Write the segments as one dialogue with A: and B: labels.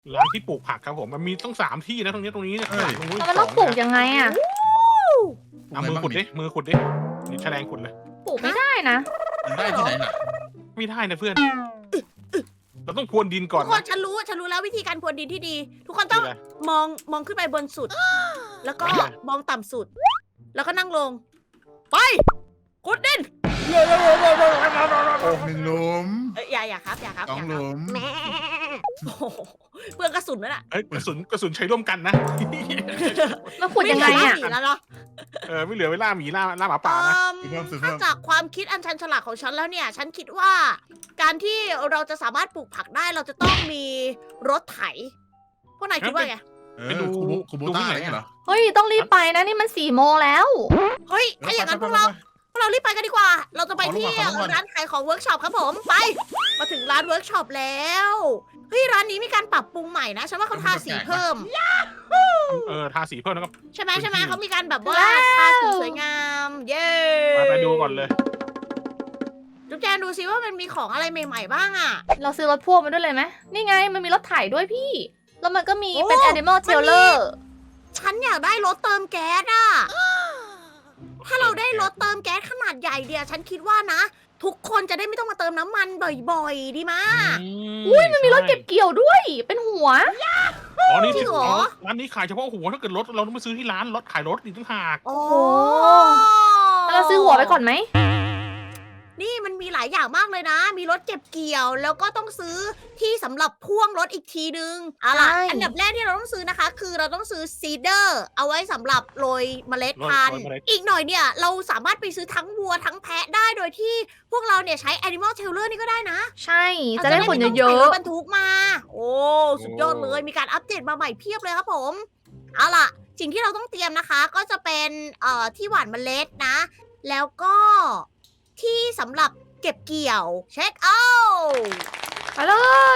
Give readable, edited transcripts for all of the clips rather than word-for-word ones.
A: ร้านที่ปลูกผักครับผมมันมีต้อง3 ที่นะตรงนี้เนี่ยตรงนู้น
B: แล้วมันต้องปลูกยังไงอ่ะ
A: เอามือขุดดินี่แฉลงขุดเลย
B: ปลูกไม่ได้นะ
C: มันได้ที่ไหนน่ะ
A: ไม่ได้นะเพื่อนเราต้องพรวนดินก่
D: ทุ
A: อน
D: กคนฉันรู้แล้ววิธีการพรวนดินที่ดี ทุกคนต้องมองขึ้นไปบนสุด แล้วก็มองต่ำสุด แล้วก็นั่งลง ไปขุดดิน
C: หนึ่งหลุม
D: อย่าครับ
C: สองหลุม
D: แม่โอ้โหเปลืองกระสุนนั่นแหละ
A: เอ้ยกระสุนใช้ร่วมกันนะ
B: มันขุดยังไงอ่ะ
D: ม่เหลืหน้าหมีแล้วเนาะ
A: ไม่เหลือเวลาหมีล่าหมาป่านะ
D: ถ้าจากความคิดอันชันฉลาดของฉันแล้วเนี่ย ฉันคิดว่า การที่เราจะสามารถปลูกผักได้เราจะต้องมีรถไถ พวกนายคิดว่าไง
C: คูโบต้าอะไรเงี้ยเหรอ
B: เฮ้ยต้องรีบไปนะนี่มัน4 โมงแล้ว
D: เฮ้ย ถ้าอย่างนั้นพวกเรารีบไปกันดีกว่า เราจะไปที่ร้านขายของเวิร์กช็อปครับผม ไป มาถึงร้านเวิร์กช็อปแล้ว เฮ้ยร้านนี้มีการปรับปรุงใหม่นะ ฉันว่าเขาทาสีเพิ่ม
A: ทาสีเพิ่มแล้วก็
D: ใช่ไหมเขามีการแบบว่าทาสีสวยงาม เย้
A: ไปดูก่อนเลย
D: จุ๊บแจนดูซิว่ามันมีของอะไรใหม่ๆบ้างอ่ะ
B: เราซื้อรถพ่วงมาด้วยเลยไหมนี่ไงมันมีรถไถด้วยพี่ แล้วมันก็มีเป็น
D: โอ้
B: Animal
D: มันมี
B: Trailer
D: ฉันอยากได้รถเติมแก๊สอ่ะ ถ้าเราได้รถเติมแก๊สขนาดใหญ่เดียวฉันคิดว่านะ ทุกคนจะได้ไม่ต้องมาเติมน้ำมันบ่อยๆ ดีมะ
B: อุ้ยมันมีรถเก็บเกี่ยวด้วย เป็นหัว
A: อ๋อนี่
D: จริงเหรอ
A: ร้านนี้ขายเฉพาะหัวถ้าเกิดรถเราต้องไปซื้อที่ร้านรถขายรถอีกต่างหาก
D: โอ้
B: แล้วเราซื้อหัวไปก่อนไหม
D: นี่มันมีหลายอย่างมากเลยนะ มีรถเก็บเกี่ยว แล้วก็ต้องซื้อที่สำหรับพ่วงรถอีกทีนึงเอาล่ะ
B: ใช่
D: อันดับแรกที่เราต้องซื้อนะคะ คือเราต้องซื้อซีเดอร์เอาไว้สำหรับโรยเมล็ดพันธุ์ อีกหน่อยเนี่ย เราสามารถไปซื้อทั้งวัวทั้งแพะได้โดยที่พวกเราเนี่ยใช้ Animal Trailer นี่ก็ได้นะ
B: ใช่ จะได้ขนเย
D: ราจ
B: อะ
D: ไม่ต้องใส่รถบรรทุกมา โอ้สุดยอดเลยมีการอัปเดตมาใหม่เพียบเลยครับผมเอาล่ะ สิ่งที่เราต้องเตรียมนะคะ ก็จะเป็นที่หว่านเมล็ดนะ แล้วก็ที่สำหรับเก็บเกี่ยวเช็คเอาท์
B: ๆไปเลย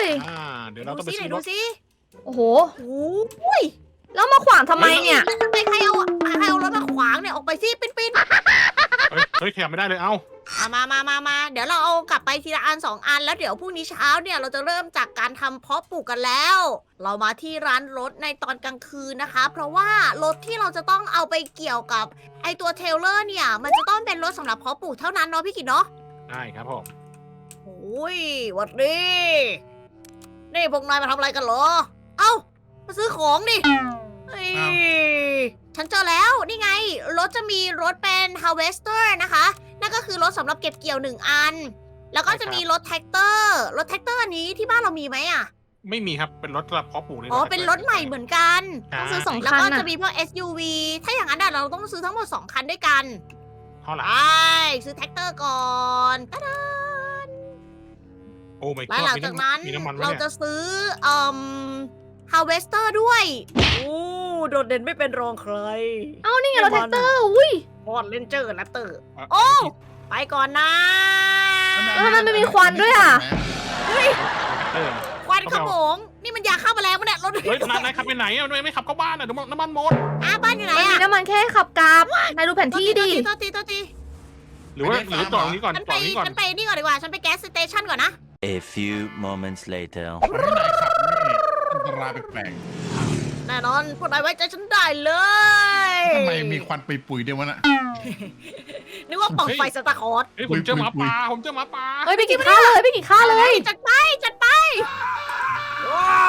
A: เดี๋ยวเราต้องไป
D: ดู
A: ซื้อร
D: ดู
A: ถ
D: สิ
B: โอ้โห
D: โอ้ย
B: แล้วมาขวางทำไมเนี่ย
D: ใครเอารถมาขวางเนี่ยออกไปสิปิ้น
A: เฮ้ยขยับไม่ได้เลยเอ้า
D: มาเดี๋ยวเราเอากลับไปทีละอัน2 อันแล้วเดี๋ยวพรุ่งนี้เช้าเนี่ยเราจะเริ่มจากการทำเพาะปลูกกันแล้ว เรามาที่ร้านรถในตอนกลางคืนนะคะ เพราะว่ารถที่เราจะต้องเอาไปเกี่ยวกับไอตัวเทรลเลอร์เนี่ย มันจะต้องเป็นรถสำหรับเพาะปลูกเท่านั้นเนาะพี่กิตเนาะ
A: ได้ครับผม
D: โอ้ยหวัดดีนี่พวกนายมาทำอะไรกันเหรอ เอ้ามาซื้อของดิเฮ้ยฉันเจอแล้วนี่ไง รถจะมีรถเป็น harvester นะคะ นั่นก็คือรถสำหรับเก็บเกี่ยว1 อัน แล้วก็จะมีรถแท็กเตอร์ รถแท็กเตอร์อันนี้ที่บ้านเรามีไหมอ่ะ
A: ไม่มีครับเป็นรถสำหรับเพาะปลูกเลย
D: อ๋อ เป็นรถใหม่เหมือนกัน
B: ต้องซื้อ2
D: แล้ว
B: คัน
D: ก็
B: น่ะ
D: จะมีพวก SUV ถ้าอย่างนั้นเราต้องซื้อทั้งหมด2 คันด้วยกัน
A: เท่าไหร่
D: ไปซื้อแท็กเตอร์ก่อนตะดา
A: โอ้ไม่
D: แล้วหลังจากนั้น
A: มีน้ำมันไหม
D: เรา
A: เนี่ย
D: จะซื้อharvester ด้วยโอ้โดดเด่นไม่เป็นรองใคร
B: เอานี่ไงรถแท็กเตอร์ อุ้ย
D: พอดเลนเจอร์แรปเตอร์ โอ้ ไปก่อนนะ
B: แล้วทำไมไม่มีควันด้วยอ่ะ
D: เฮ้ย
A: เออ
D: ควันขโมง นี่มันยาฆ่าแมลงมั้ยเนี่ยรถ
A: เฮ้ยนายขับไปไหนอ่ะทำไมไม่ขับเข้าบ้านอ่ะเดี๋ยวน้ำมันหมด
D: บ้านอยู่ไหน
B: มันมี
D: อะ
B: น้ำมันแค่ขับกราบนายดูแผนที่ดิ
D: โทษที
A: หรือจอดตรงนี้ก่อน
D: ฉัน
A: จ
D: ไป
A: อดนี้ก่อน
D: ฉันไปนี่ก่อนดีกว่า ฉันไปแก๊สสเตชันก่อนนะ
E: A few moments later.
C: มันให้นายขับนี่อันตรายแปลก
D: แน่นอนพวกนายไว้ใจฉันได้เลย
C: ๆทำไมมีควันปุยๆเดียววะน่ะ
D: นึกว่าปล่องไฟสตาร์คอร์ส
A: เฮ้ยผมเจอหมาป่าผมเจอหมาป่า
B: เฮ้ยไปกินข้าวเลยไปกินข้าวเลย
D: จัดไปว้าว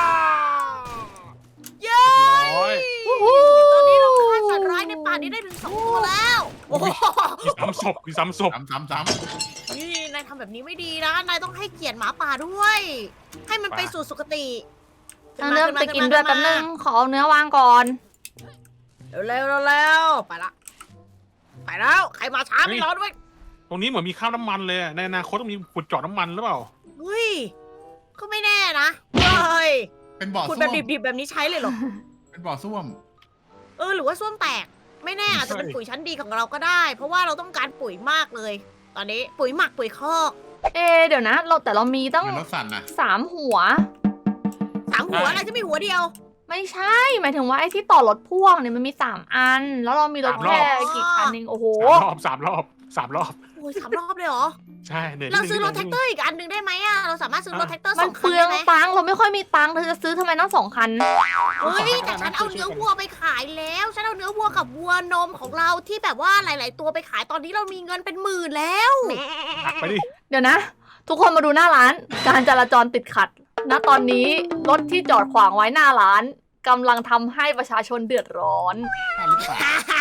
D: เย้
A: โอ้ย
B: วู้ฮู้
D: ตอนนี้เราฆ่าสัตว์ร้ายในป่านี้ได้ถึง2 ตัวแล้วโอ้โห
A: มีซ้ำศพ
C: ซ้ำ
D: นี่นายทำแบบนี้ไม่ดีนะ นายต้องให้เกียรติหมาป่าด้วย ให้มันไปสู่สุคติ
B: เอาเนื้อไปกินด้วยแป๊บนึง ขอเอาเนื้อวางก่อน
D: เร็วไปละ ไปแล้ว ใครมาช้าไม่รอด้วย
A: ตรงนี้เหมือนมีข้าวน้ำมันเลยในอนาคตต้องมีขุดเจาะน้ำมันหรือเปล่า
D: เฮ้ย ก็ไม่แน่นะเฮ้ย
C: ๆเป็นบ่อ
D: คุณ
C: ส้
D: แบ
C: ว
D: บ
C: ม
D: ดิบๆแบบนี้ใช้เลยเหรอ
C: เป็นบ่อส้วม
D: หรือว่าส้วมแตก ไม่แน่อาจจะเป็นปุ๋ยชั้นดีของเราก็ได้ เพราะว่าเราต้องการปุ๋ยมากเลย ตอนนี้ปุ๋ยหมักปุ๋ยคอก
B: เดี๋ยวนะ แต่เรามีตั้ง
C: เหมือนรถสั่นนะ
B: 3 หัว
D: 3 หัวอะไรจะมีหัวเดียว
B: ไม่ใช่ หมายถึงว่าไอ้ที่ต่อรถพ่วงเนี่ยมันมี3 อัน แล้วเรามีรถ
A: 3 รอบ
B: แค่กี่คันเองโอ้โห
A: 3 รอบ
D: โอ้ย3 รอบเลยเหรอ
A: ใช่เหนื่อย
D: เราซื้อรถ
A: นิ
D: แท็
A: ด
D: ก
A: นึง
D: เตอร์อีกอันหนึ่งได้ไหมอะเราสามารถซื้อรถแท็กเตอร์
B: มั
D: ส
B: น
D: องคั
B: เป
D: น
B: ลือ
D: ได้
B: ง
D: ไหม
B: ตังค์เราไม่ค่อยมีตังค์เธอจะซื้อทำไมต้อง2 คัน
D: เฮ้ยแต่ฉันเอาเนื้อวัวไปขายแล้วฉันเอาเนื้อวัวกับวัวนมของเราที่แบบว่าหลาย ๆ ตัวไปขายตอนนี้เรามีเงินเป็นหมื่นแล้ว
A: ตักไปดิ
B: เดี๋ยวนะ ทุกคนมาดูหน้าร้าน การจราจรติดขัด ณ ตอนนี้รถที่จอดขวางไว้หน้าร้านกำลังทำให้ประชาชนเดือดร้อน
C: หรือเปล่า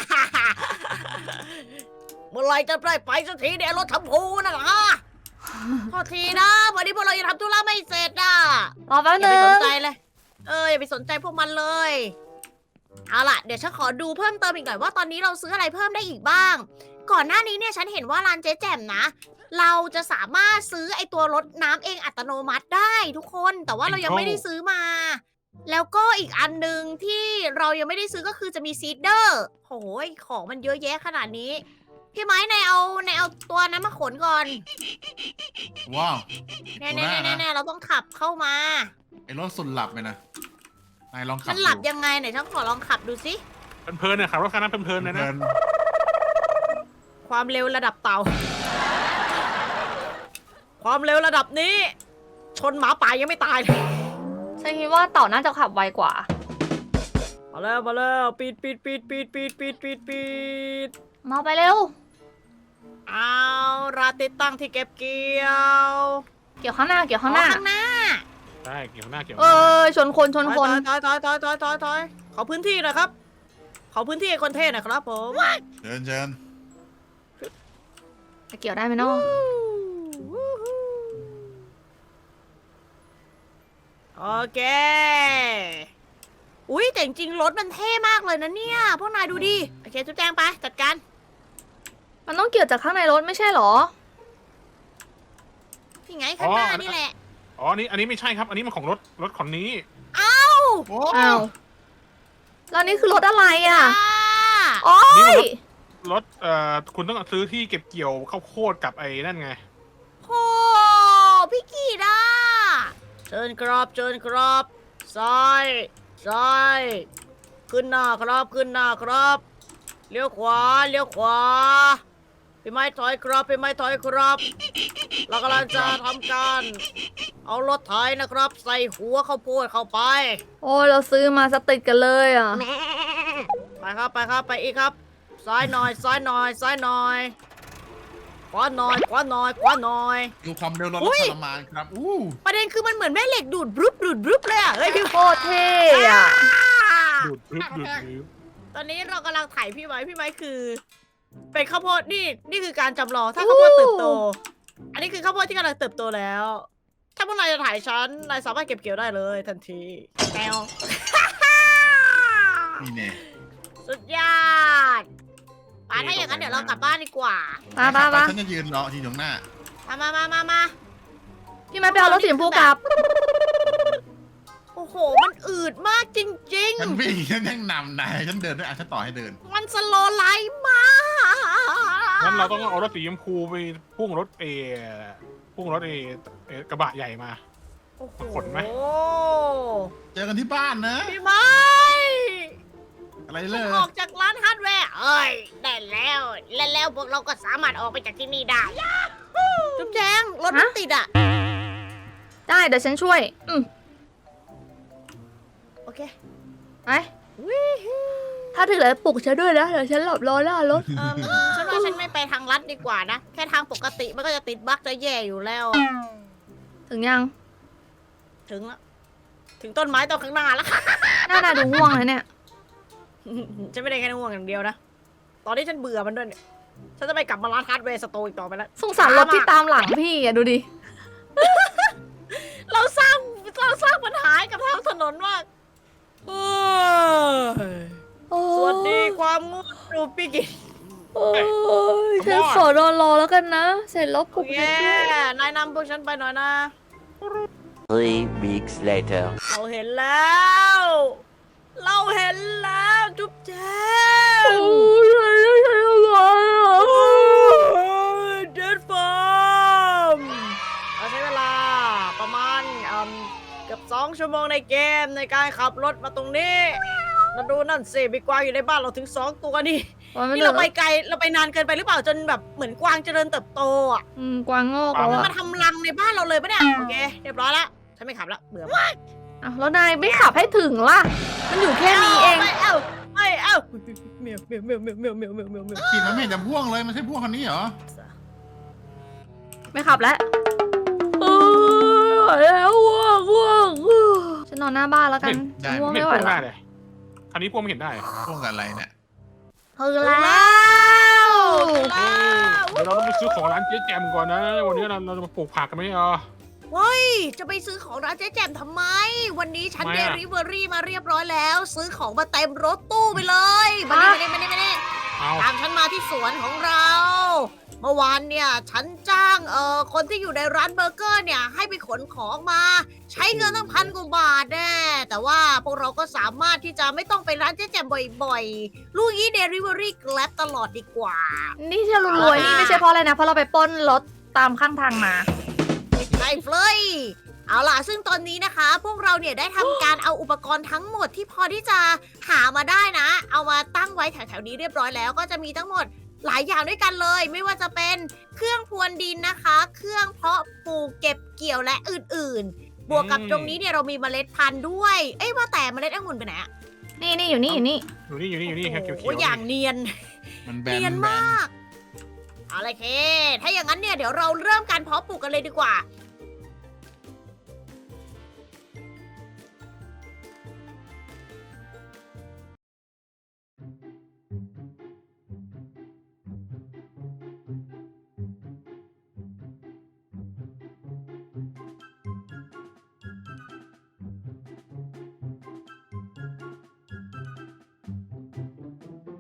D: เมื่อไหรจะได้ไปสักทีเนี่ยรถทำพูนะฮะพอทีนะวันนี้พวกเรายังทำธุระไม่เสร็จอ่ะ
B: รอแป๊บ
D: อย่า
B: นึ
D: ไป
B: ง
D: สนใจเลย อย่าไปสนใจพวกมันเลย เอาล่ะ เดี๋ยวฉันขอดูเพิ่มเติมอีกหน่อยว่าตอนนี้เราซื้ออะไรเพิ่มได้อีกบ้าง ก่อนหน้านี้เนี่ยฉันเห็นว่าร้านเจ๊แจ่มนะ เราจะสามารถซื้อไอตัวรถน้ำเองอัตโนมัติได้ทุกคน แต่ว่าเรายังไม่ได้ซื้อมา แล้วก็อีกอันหนึ่งที่เรายังไม่ได้ซื้อก็คือจะมีซีดเดอร์โหยของมันเยอะแยะขนาดนี้ พี่ไม้นายเอาตัวนั้นมาขนก่อน
C: ว้าว
D: แน่
C: ดูหน้านะ
D: ๆๆๆเราต้องขับเข้ามา
C: ไอ้รถสุดหลับเลยนะนายลองขับ
D: มันหลับยังไงไหนฉันขอลองขับดูสิ
A: เพลินๆเนี่ยขับรถคันนั้นเพลินๆเลยนะ
C: เดิน
D: ความเร็วระดับเต่า ความเร็วระดับนี้ ชนหมาป่ายังไม่ตายเลย
B: ฉันคิดว่าเต่าน่าจะขับไวกว่า
D: มาแล้วปีด
B: มาไปเร็ว
D: เอาราติดตั้งที่เก็บเกี่ยว
B: เกี่ยวข้างหน้า เกี่ยวข้างหน้า
D: ข้างหน้า
A: ใช่เกี่ยวหน้าเกี่ยวห
B: เอ
A: น้า
B: อชนคนชนคน
D: ถอยขอพื้นที่หนะครับ ขอพื้นที่ให้คนเท่หนะครับผม
C: เดินเชิญ
B: จะเกี่ยวได้ไหมเนาะ
D: โอเค อุ้ยแต่จริงๆรถมันเท่มากเลยนะเนี่ย พวกนายดูดิ โอเคจุ๊บแจงไป จัดการ
B: มันต้องเกี่ยวจากข้างในรถไม่ใช่เหรอ
D: ที่ไงข้างหน้านี่แหละ
A: อ๋ออันนี้ไม่ใช่ครับ อันนี้มันของรถคนนี้
C: โอ้
B: อ้าว แล้วนี่คือรถอะไรอ่ะ
D: อ่า
B: โอ้ย
A: รถคุณต้องซื้อที่เก็บเกี่ยวข้าวโพดกับไอ้นั่นไง
D: โอ้พี่กีดาเชิญครับซ้ายขึ้นหน้าครับ เลี้ยวขวา พี่ไม้ถอยครับ เรากำลังจะทำการ เอารถไถนะครับ ใส่หัวข้าวโพดเข้าไป
B: โอ้ยเราซื้อมาสติดกันเลยอ่ะ
D: ไปครับ ไปอีกครับ ซ้ายหน่อย ขวาหน่อย
C: ดูความเร็วรถ
D: อุ้ย
C: ทรมานครับอู้
D: ประเด็นคือมันเหมือนแม่เหล็กดูดบรึบเลยอ่ะเฮ้ย
B: โคตรเท่อะ
A: ดูดรึบ
D: ตอนนี้เรากำลังไถพี่ไม้คือ เป็นข้าวโพดนี่คือการจำลองถ้าข้าวโพดเติบโต อันนี้คือข้าวโพดที่กำลังเติบโตแล้ว ถ้าพวกนายจะถ่ายฉันนายสามารถเก็บเกี่ยวได้เลยทันทีแนว
C: นี่เนี่ย
D: สุดยอดป่าถ้าอย่างนั้นเดี๋ยวเรากลับบ้านดีกว่า
B: มา
C: ฉันจะยืนรอที่ตรงหน้า
D: มา
B: พี่มาไปเอารถสีชมพูกลับ
D: โอ้โห มันอืดมากจริง
C: ฉันวิ่งฉันยังนำนายฉันเดินด้วยฉันต่อให้เดิน
D: ๆ มันสโลว์ไลฟ์มาก
A: งั้นเราต้องเอารถสีชมพูไปพุ่งรถกระบะใหญ่มา
D: โอ้โห
A: ขนไหม
C: เจอกันที่บ้านนะ
D: พี่ไม้
C: อะไรเล
D: ฉัน
C: ย
D: ออกจากร้านฮาร์ดแวร์ได้แล้วพวกเราก็สามารถออกไปจากที่นี่ได้จุ๊บแจงรถมันติดอ่ะ
B: ได้เดี๋ยวฉันช่วย
D: โอเค
B: ไปถ้าถึงแล้วปลุกฉันด้วยนะ เดี๋ยวฉันหลับรอหน้ารถ
D: ฉันว่าฉันไม่ไปทางลัดดีกว่านะ แค่ทางปกติมันก็จะติดบั๊กจะแย่อยู่แล้ว
B: ถึงยัง
D: ถึงแล้วถึงต้นไม้ต้นข้างหน้าแล้วค่ะ
B: หน้าดูง่วงเลยเนี่ย
D: ฉันไม่ได้แค่ง่วงอย่างเดียวนะ ตอนนี้ฉันเบื่อมันด้วยเนี่ยฉันจะไปกลับมาร้านฮาร์ดแวร์สโตร์อีกต่อไปแล้ว
B: สงสารรถที่ตามหลังพี่อะดูดิ
D: เราสร้างปัญหาให้กับทางถนนมากสวัสดีความงูดูปิกิ
B: โอ้ยฉันขอนอนรอแล้วกันนะ เสร็จแล้วปลุก
D: แย่นายนำพวกฉันไปหน่อยนะ
E: 3 weeks later.
D: เราเห็นแล้วจุ๊บแจ๊บ
B: โอ้ยฉันทำไงอ่ะ
D: เดดฟาร์มเราใช้เวลาประมาณเกือบ2 ชั่วโมงในเกมในการขับรถมาตรงนี้มาดูนั่นสิมีกวางอยู่ในบ้านเราถึง2 ตัวนี่นี่เราไปไกลเราไปนานเกินไปหรือเปล่าจนแบบเหมือนกวางเจริญเติบโตอ่ะ
B: กวางโงกแล้ว
D: มัน
B: อะ
D: มาทำรังในบ้านเราเลยปะเนี่ยโอเคเรียบร้อยละฉันไม่ขับละเบื่อมาก
B: อ้าวแล้วนายไม่ขับให้ถึงล่ะ มันอยู่แค่นี้เอง
D: ไม่เอาเมียวเมียวเมียวเมียวเมียวเมียวเมียวเมียวเมียว
C: ขี่มันไม่เห็นจะพ่วงเลยมันใช่พ่วงคันนี้เหรอ
B: ไม่ขับแล้วแล้วง่วงฉันนอนหน้าบ้านแล้วกันง่วง
A: ไม่
B: ไม่ไหว
A: พ่วง
B: แล้
A: ได้
B: ว
A: เลยคันนี้พ่วงไม่เห็นได้
C: พ่วงกับอะไรเนี่ย
B: ถึงแล้ว
A: เดี๋ยวเราต้องไปซื้อของร้านเจ๊แจมก่อนนะ วันนี้เราจะมาปลูกผักกันไหมอ่ะ
D: เฮ้ยจะไปซื้อของร้านเจ๊แจ่มทำไม วันนี้ฉัน
A: ทำไม
D: เด
A: อะ
D: ลิเวอรี่มาเรียบร้อยแล้ว ซื้อของมาเต็มรถตู้ไปเลยมานี่
A: เอา
D: ตามฉันมาที่สวนของเรา เมื่อวานเนี่ยฉันจ้างคนที่อยู่ในร้านเบอร์เกอร์เนี่ยให้ไปขนของมา ใช้เงินตั้ง1,000 กว่าบาทแน่แต่ว่าพวกเราก็สามารถที่จะไม่ต้องไปร้านเจ๊แจ่มบ่อยๆ ลูกยี่เดลิเวอรี่แกร็บตลอดดีกว่า
B: นี่ที่เรารวยนี่ไม่ใช่เพราะอะไรนะ เพราะเราไปปล้นรถตามข้างทางมา
D: ใช่เฟลยเอาล่ะซึ่งตอนนี้นะคะ พวกเราเนี่ยได้ทำการเอาอุปกรณ์ทั้งหมดที่พอที่จะหามาได้นะ เอามาตั้งไว้แถวๆนี้เรียบร้อยแล้วก็จะมีทั้งหมดหลายอย่างด้วยกันเลย ไม่ว่าจะเป็นเครื่องพรวนดินนะคะ เครื่องเพาะปลูกเก็บเกี่ยวและอื่นๆ บวกกับตรงนี้เนี่ยเรามีเมล็ดพันธุ์ด้วย เอ้ยว่าแต่เมล็ดองุ่นไปไหนอะ
B: นี่อยู่นี่อยู่นี่
A: อยู่นี่ครับเขียว
D: โอ้อย่างเนียน
C: มันแบน
D: เนียน
C: แบน
D: มาก เอาเลยเค ถ้าอย่างนั้นเนี่ยเดี๋ยวเราเริ่มการเพาะปลูกกันเลยดีกว่า